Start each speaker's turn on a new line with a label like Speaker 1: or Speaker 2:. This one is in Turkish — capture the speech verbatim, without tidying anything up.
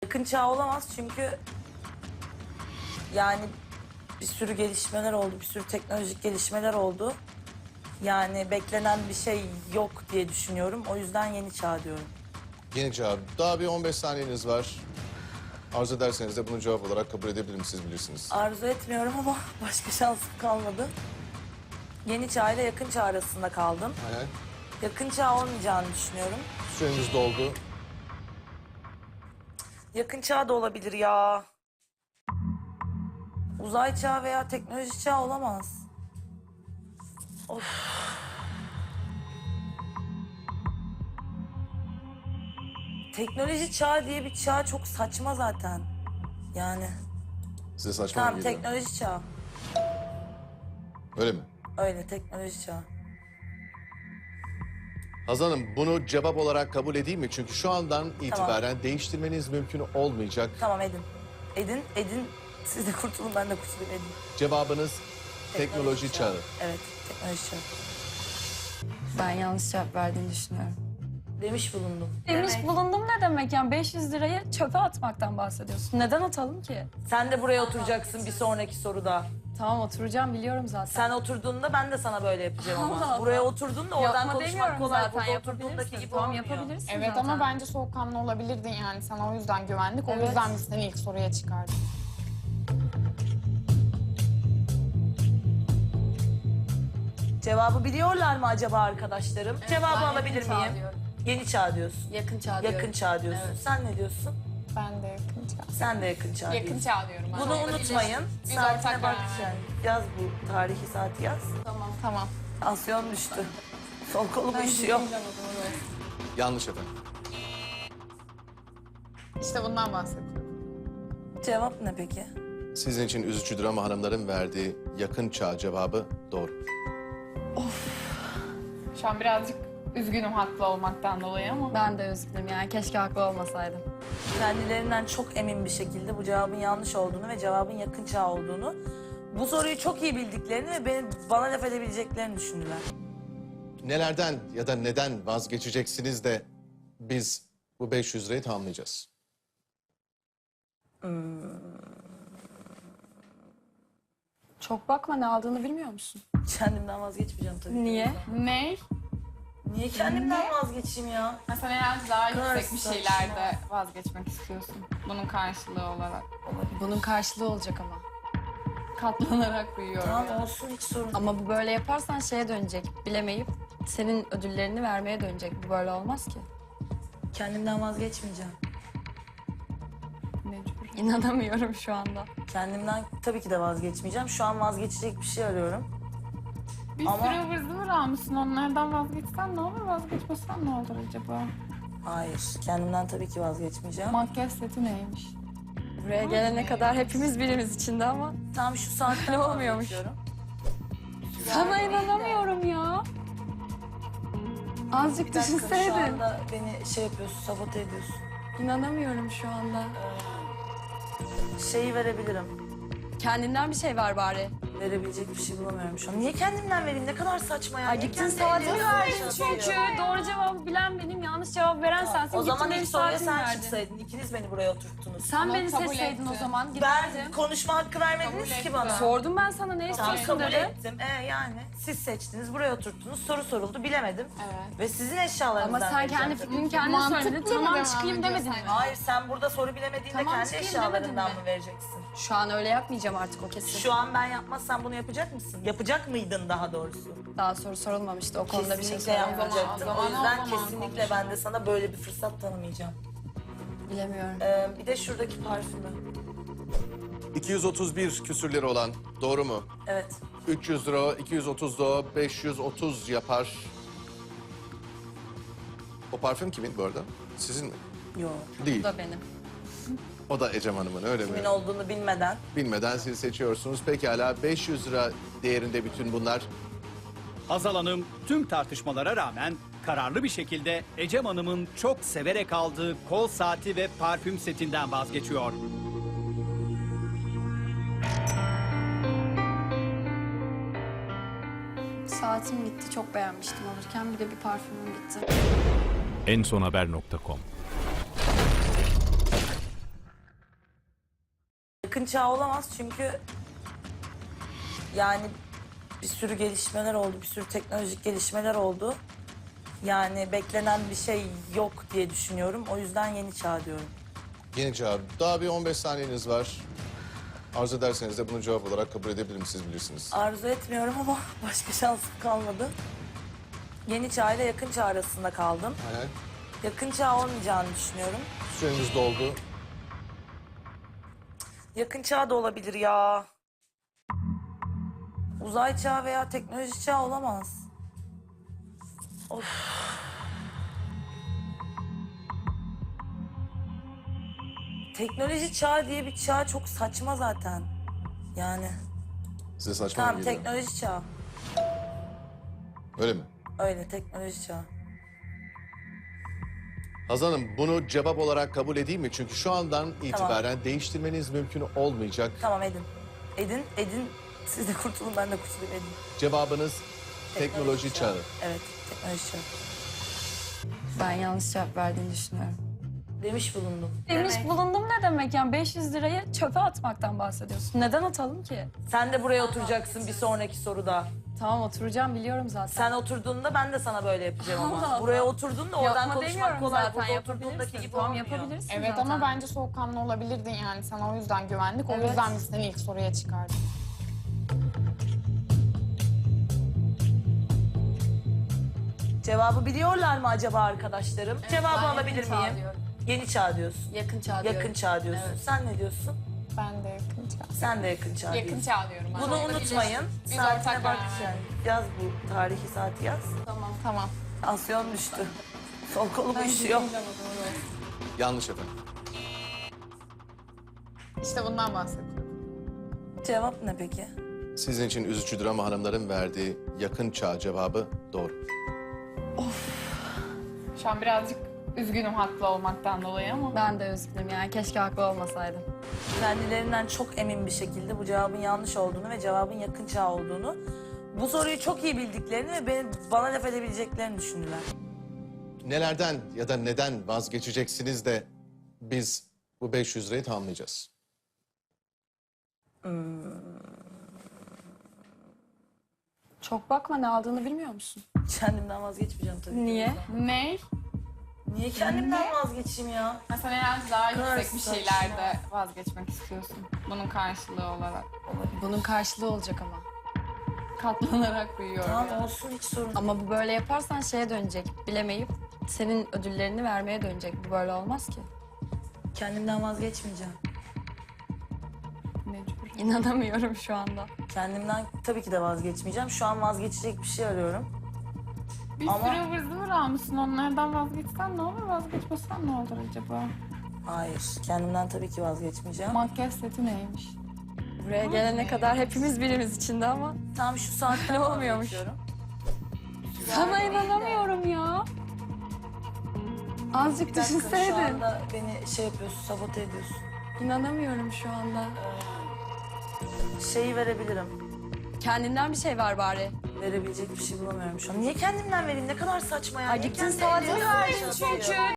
Speaker 1: Yakın çağ olamaz çünkü yani bir sürü gelişmeler oldu, bir sürü teknolojik gelişmeler oldu. Yani beklenen bir şey yok diye düşünüyorum. O yüzden yeni çağ diyorum.
Speaker 2: Yeni cevap. Daha bir on beş saniyeniz var. Arzu ederseniz de bunu cevap olarak kabul edebilirim, siz bilirsiniz.
Speaker 1: Arzu etmiyorum ama başka şansım kalmadı. Yeni çağ ile yakın çağ arasında kaldım.
Speaker 2: Aynen.
Speaker 1: Yakın çağ olmayacağını düşünüyorum.
Speaker 2: Süreniz doldu.
Speaker 1: Yakın çağ da olabilir ya. Uzay çağı veya teknoloji çağı olamaz. Of. Teknoloji çağı diye bir çağ çok saçma zaten. Yani.
Speaker 2: Size saçma mı
Speaker 1: Tamam,
Speaker 2: geliyor?
Speaker 1: teknoloji çağı.
Speaker 2: Öyle mi?
Speaker 1: Öyle, teknoloji çağı.
Speaker 2: Hazal Hanım, bunu cevap olarak kabul edeyim mi? Çünkü şu andan itibaren değiştirmeniz mümkün olmayacak.
Speaker 1: Tamam, edin. Edin, edin. Siz de kurtulun, ben de kurtulayım, edin.
Speaker 2: Cevabınız teknoloji, çağı.
Speaker 1: Evet, teknoloji çağı.
Speaker 3: Ben yanlış cevap verdiğini düşünüyorum.
Speaker 1: Demiş bulundum.
Speaker 3: Demiş
Speaker 1: Demek.
Speaker 3: bulundum ne demek yani beş yüz lirayı çöpe atmaktan bahsediyorsun. Neden atalım ki?
Speaker 1: Sen de buraya oturacaksın bir sonraki soruda.
Speaker 3: Tamam oturacağım biliyorum zaten.
Speaker 1: Sen oturduğunda ben de sana böyle yapacağım ama.
Speaker 3: Allah Allah.
Speaker 1: Buraya oturduğunda oradan
Speaker 3: Yapma
Speaker 1: konuşmak
Speaker 3: demiyorum
Speaker 1: kolay.
Speaker 3: zaten,
Speaker 1: Burada
Speaker 3: yapabilirsin.
Speaker 1: oturduğundaki gibi
Speaker 3: Tamam,
Speaker 1: olmuyor.
Speaker 3: yapabilirsin
Speaker 4: Evet
Speaker 3: zaten.
Speaker 4: ama bence soğukkanlı olabilirdin yani. Sana o yüzden güvendik. O
Speaker 3: Evet.
Speaker 4: yüzden biz seni ilk soruya çıkardık.
Speaker 1: Cevabı biliyorlar mı acaba arkadaşlarım? Cevabı
Speaker 3: ben
Speaker 1: alabilir
Speaker 3: yakın çağ
Speaker 1: miyim?
Speaker 3: diyorum.
Speaker 1: Yeni çağ diyorsun.
Speaker 3: Yakın çağ diyorum.
Speaker 1: Yakın çağ diyorsun.
Speaker 3: Evet.
Speaker 1: Sen ne diyorsun?
Speaker 4: Ben de yakın çağ.
Speaker 1: Sen de yakın çağ
Speaker 4: Yakın
Speaker 1: diyorsun.
Speaker 4: çağ diyorum ben.
Speaker 1: Bunu unutmayın.
Speaker 4: Biz
Speaker 1: Saatine
Speaker 4: ortak
Speaker 1: bak
Speaker 4: karar
Speaker 1: yani. Yaz bu tarihi saati yaz.
Speaker 4: Tamam. Tamam.
Speaker 1: Tansiyon düştü. Sol kolum üşüyor.
Speaker 2: Yanlış efendim.
Speaker 4: İşte bundan bahsediyorum.
Speaker 1: Cevap ne peki?
Speaker 2: Sizin için üzücüdür ama hanımların verdiği yakın çağ cevabı doğru.
Speaker 4: Şu an birazcık üzgünüm haklı olmaktan dolayı ama.
Speaker 3: Ben de üzgünüm yani keşke haklı olmasaydım.
Speaker 1: Kendilerinden çok emin bir şekilde bu cevabın yanlış olduğunu ve cevabın yakın çağ olduğunu, bu soruyu çok iyi bildiklerini ve beni, bana laf edebileceklerini düşündüler.
Speaker 2: Nelerden ya da neden vazgeçeceksiniz de biz bu beş yüz lirayı tamamlayacağız.
Speaker 3: Çok bakma ne aldığını bilmiyor musun?
Speaker 1: Kendimden vazgeçmeyeceğim tabii ki.
Speaker 3: Niye?
Speaker 4: Ne?
Speaker 1: Niye kendimden vazgeçeyim ya?
Speaker 4: Mesela herhalde daha
Speaker 1: kadar
Speaker 4: yüksek bir
Speaker 1: saçma.
Speaker 4: şeylerde vazgeçmek istiyorsun. Bunun karşılığı olarak.
Speaker 3: Bunun karşılığı olacak ama.
Speaker 4: Katlanarak büyüyorum.
Speaker 1: Tamam olsun, hiç sorun değil.
Speaker 3: Ama bu böyle yaparsan şeye dönecek. Bilemeyip senin ödüllerini vermeye dönecek. Bu böyle olmaz ki.
Speaker 1: Kendimden vazgeçmeyeceğim.
Speaker 4: Mecbur.
Speaker 3: İnanamıyorum şu anda.
Speaker 1: Kendimden tabii ki de vazgeçmeyeceğim. Şu an vazgeçecek bir şey arıyorum.
Speaker 4: Bir
Speaker 1: Ama-
Speaker 4: sürü ıvır zıvır almışsın. Onlardan vazgeçsen ne olur? Vazgeçmesen ne olur acaba?
Speaker 1: Hayır, kendimden tabii ki vazgeçmeyeceğim.
Speaker 4: Makyaj seti neymiş?
Speaker 3: Buraya gelene kadar hepimiz birimiz içinde ama.
Speaker 1: Tam şu saatten
Speaker 3: Ne olmuyormuş?
Speaker 1: vazgeçiyorum.
Speaker 3: Sana inanamıyorum ya. Azıcık
Speaker 1: Bir dakika, şu
Speaker 3: düşünseydin.
Speaker 1: anda beni şey yapıyorsun, sabote ediyorsun.
Speaker 3: İnanamıyorum şu anda.
Speaker 1: Şeyi verebilirim.
Speaker 3: Kendinden bir şey ver bari.
Speaker 1: Verebilecek bir şey bulamıyorum şu an. Niye kendimden vereyim? Ne kadar saçma ya.
Speaker 3: Ay
Speaker 1: Niye
Speaker 3: gittin
Speaker 1: kendi
Speaker 3: saatini
Speaker 1: ellerine
Speaker 3: verdin
Speaker 1: çalışıyorsun?
Speaker 3: çünkü. Doğru cevabı bilen benim, yanlış cevap veren sensin.
Speaker 1: O zaman
Speaker 3: Gittin
Speaker 1: ilk
Speaker 3: benim
Speaker 1: soruya
Speaker 3: saatimi
Speaker 1: sen
Speaker 3: verdin.
Speaker 1: çıksaydın. İkiniz beni buraya oturttunuz.
Speaker 3: Sen
Speaker 4: Ama
Speaker 3: beni
Speaker 4: kabul
Speaker 3: seçseydin
Speaker 4: etti.
Speaker 3: o zaman
Speaker 1: Ben
Speaker 3: giderdim.
Speaker 1: konuşma hakkı vermediniz
Speaker 4: Kabul
Speaker 1: ki
Speaker 4: etti.
Speaker 1: bana.
Speaker 3: Sordum ben sana ne
Speaker 1: Tamam,
Speaker 3: istiyorsun
Speaker 1: kabul
Speaker 3: dedim.
Speaker 1: ettim. Ee, yani siz seçtiniz, buraya oturttunuz. Soru soruldu, bilemedim.
Speaker 4: Evet.
Speaker 1: Ve sizin eşyalarınızdan
Speaker 3: Ama sen kendi
Speaker 1: vereceğim
Speaker 3: fikrini
Speaker 1: tabii.
Speaker 3: kendin
Speaker 4: Mantıklı
Speaker 3: söyledin.
Speaker 4: mı
Speaker 3: Tamam
Speaker 4: devam
Speaker 3: çıkayım demedin mi?
Speaker 4: ediyorsan?
Speaker 1: Hayır, sen burada soru bilemediğinde
Speaker 3: Tamam,
Speaker 1: kendi
Speaker 3: çıkayım
Speaker 1: eşyalarından
Speaker 3: demedin
Speaker 1: mı
Speaker 3: mi?
Speaker 1: vereceksin?
Speaker 3: Şu an öyle yapmayacağım artık o kesin.
Speaker 1: Şu an ben yapmazsam bunu yapacak mısın? Yapacak mıydın daha doğrusu?
Speaker 3: Daha soru sorulmamıştı o konuda bir şey
Speaker 1: Kesinlikle
Speaker 3: söyleyemem.
Speaker 1: yapmayacaktın.
Speaker 4: O
Speaker 1: O,
Speaker 4: zaman-
Speaker 1: yüzden
Speaker 4: o zaman
Speaker 1: kesinlikle
Speaker 4: konuşalım.
Speaker 1: ben de sana böyle bir fırsat tanımayacağım.
Speaker 3: Bilemiyorum.
Speaker 1: Ee, bir de şuradaki parfümü.
Speaker 2: iki yüz otuz bir küsür lira olan, doğru mu?
Speaker 1: Evet.
Speaker 2: üç yüz lira, o, iki yüz otuz da o, beş yüz otuz yapar. O parfüm kimin bu arada? Sizin mi?
Speaker 1: Yok.
Speaker 2: Değil.
Speaker 3: Bu da benim.
Speaker 2: O da Ecem Hanım'ın, öyle mi?
Speaker 1: Kimin olduğunu bilmeden.
Speaker 2: Bilmeden siz seçiyorsunuz. Pekala, beş yüz lira değerinde bütün bunlar.
Speaker 5: Hazal Hanım tüm tartışmalara rağmen kararlı bir şekilde Ecem Hanım'ın çok severek aldığı kol saati ve parfüm setinden vazgeçiyor.
Speaker 3: Saatim gitti, çok beğenmiştim alırken. Bir de bir parfümüm gitti.
Speaker 6: en son haber nokta com
Speaker 1: yakın çağ olamaz çünkü yani bir sürü gelişmeler oldu, bir sürü teknolojik gelişmeler oldu. Yani beklenen bir şey yok diye düşünüyorum. O yüzden yeni çağ diyorum.
Speaker 2: Yeni cevap. Daha bir on beş saniyeniz var. Arzu ederseniz de bunu cevap olarak kabul edebilirim, siz bilirsiniz.
Speaker 1: Arzu etmiyorum ama başka şansım kalmadı. Yeni çağ ile yakın çağ arasında kaldım.
Speaker 2: Aynen.
Speaker 1: Yakın çağ olmayacağını düşünüyorum.
Speaker 2: Süreniz doldu.
Speaker 1: Yakın çağ da olabilir ya. Uzay çağı veya teknoloji çağı olamaz. Of. Teknoloji çağı diye bir çağ çok saçma zaten. Yani.
Speaker 2: Size saçma mı
Speaker 1: Tamam,
Speaker 2: geliyor?
Speaker 1: teknoloji çağı.
Speaker 2: Öyle mi?
Speaker 1: Öyle, teknoloji çağı.
Speaker 2: Hazal Hanım, bunu cevap olarak kabul edeyim mi? Çünkü şu andan itibaren değiştirmeniz mümkün olmayacak.
Speaker 1: Tamam, edin. Edin, edin. Siz de kurtulun, ben de kurtulayım, edin.
Speaker 2: Cevabınız teknoloji çağı.
Speaker 1: Evet, teknoloji çağı.
Speaker 3: Ben yanlış cevap verdiğini düşünüyorum.
Speaker 1: Demiş bulundum.
Speaker 3: Demiş
Speaker 1: Demek.
Speaker 3: bulundum ne demek yani beş yüz lirayı çöpe atmaktan bahsediyorsun. Neden atalım ki?
Speaker 1: Sen de buraya oturacaksın bir sonraki soruda.
Speaker 3: Tamam oturacağım biliyorum zaten.
Speaker 1: Sen oturduğunda ben de sana böyle yapacağım ama.
Speaker 3: Allah Allah.
Speaker 1: Buraya oturduğunda oradan
Speaker 3: Yapma
Speaker 1: konuşmak
Speaker 3: demiyorum
Speaker 1: kolay.
Speaker 3: zaten,
Speaker 1: Burada
Speaker 3: yapabilirsin.
Speaker 1: oturduğundaki gibi
Speaker 3: Tamam,
Speaker 1: olmuyor.
Speaker 3: yapabilirsin
Speaker 4: Evet
Speaker 3: zaten.
Speaker 4: ama bence soğukkanlı olabilirdin yani. Sana o yüzden güvendik. O
Speaker 3: Evet.
Speaker 4: yüzden biz seni ilk soruya çıkardık.
Speaker 1: Cevabı biliyorlar mı acaba arkadaşlarım? Cevabı
Speaker 3: ben
Speaker 1: alabilir
Speaker 3: yakın çağ
Speaker 1: miyim?
Speaker 3: diyorum.
Speaker 1: Yeni çağ diyorsun.
Speaker 3: Yakın çağ diyorum.
Speaker 1: Yakın çağ diyorsun.
Speaker 3: Evet.
Speaker 1: Sen ne diyorsun?
Speaker 4: Ben de yakın çağ.
Speaker 1: Sen de yakın çağ
Speaker 4: Yakın
Speaker 1: diyorsun.
Speaker 4: çağ diyorum ben.
Speaker 1: Bunu unutmayın.
Speaker 4: Biz
Speaker 1: Saatine
Speaker 4: ortak
Speaker 1: bak
Speaker 4: karar
Speaker 1: yani. Yaz bu tarihi saati yaz.
Speaker 3: Tamam.
Speaker 4: Tamam.
Speaker 1: Tansiyon düştü. Sol kolum uyuşuyor.
Speaker 2: Yanlış efendim.
Speaker 4: İşte bundan bahsediyorum.
Speaker 1: Cevap ne peki?
Speaker 2: Sizin için üzücüdür ama hanımların verdiği yakın çağ cevabı doğru.
Speaker 4: Şu an birazcık üzgünüm haklı olmaktan dolayı ama.
Speaker 3: Ben de üzgünüm yani keşke haklı olmasaydım.
Speaker 1: Kendilerinden çok emin bir şekilde bu cevabın yanlış olduğunu ve cevabın yakın çağ olduğunu, bu soruyu çok iyi bildiklerini ve beni, bana laf edebileceklerini düşündüler.
Speaker 2: Nelerden ya da neden vazgeçeceksiniz de biz bu beş yüz lirayı tamamlayacağız.
Speaker 3: Çok bakma ne aldığını bilmiyor musun?
Speaker 1: Kendimden vazgeçmeyeceğim tabii ki.
Speaker 3: Niye?
Speaker 4: Ne?
Speaker 1: Niye kendimden vazgeçeyim ya?
Speaker 4: Ha, sen herhalde daha
Speaker 1: Kadar
Speaker 4: yüksek bir
Speaker 1: saçma.
Speaker 4: şeylerde vazgeçmek istiyorsun. Bunun karşılığı olarak.
Speaker 3: Bunun karşılığı olacak ama.
Speaker 4: Katlanarak büyüyor.
Speaker 1: Tamam olsun, hiç sorun.
Speaker 3: Ama bu böyle yaparsan şeye dönecek. Bilemeyip senin ödüllerini vermeye dönecek. Bu böyle olmaz ki.
Speaker 1: Kendimden vazgeçmeyeceğim.
Speaker 4: Mecbur.
Speaker 3: İnanamıyorum şu anda.
Speaker 1: Kendimden tabii ki de vazgeçmeyeceğim. Şu an vazgeçecek bir şey arıyorum.
Speaker 4: Bir
Speaker 1: Ama-
Speaker 4: sürü ıvır zıvır almışsın. Onlardan vazgeçsen ne olur? Vazgeçmesen ne olur acaba?
Speaker 1: Hayır, kendimden tabii ki vazgeçmeyeceğim.
Speaker 4: Makyaj seti neymiş?
Speaker 3: Buraya gelene kadar hepimiz birimiz içinde ama.
Speaker 1: Tam şu saatten
Speaker 3: Olmuyormuş.
Speaker 1: vazgeçiyorum.
Speaker 3: Sana inanamıyorum ya. Azıcık
Speaker 1: Bir dakika, şu
Speaker 3: düşünseydin.
Speaker 1: anda beni şey yapıyorsun, sabote ediyorsun.
Speaker 3: İnanamıyorum şu anda.
Speaker 1: Şeyi verebilirim.
Speaker 3: Kendinden bir şey ver bari.
Speaker 1: Verebilecek bir şey bulamıyorum şu an. Niye kendimden vereyim? Ne kadar saçma ya.
Speaker 3: Ay
Speaker 1: Niye
Speaker 3: gittin
Speaker 1: kendi
Speaker 3: saatini
Speaker 1: ellerimle
Speaker 3: verdin
Speaker 1: çalışıyorum?
Speaker 3: çünkü.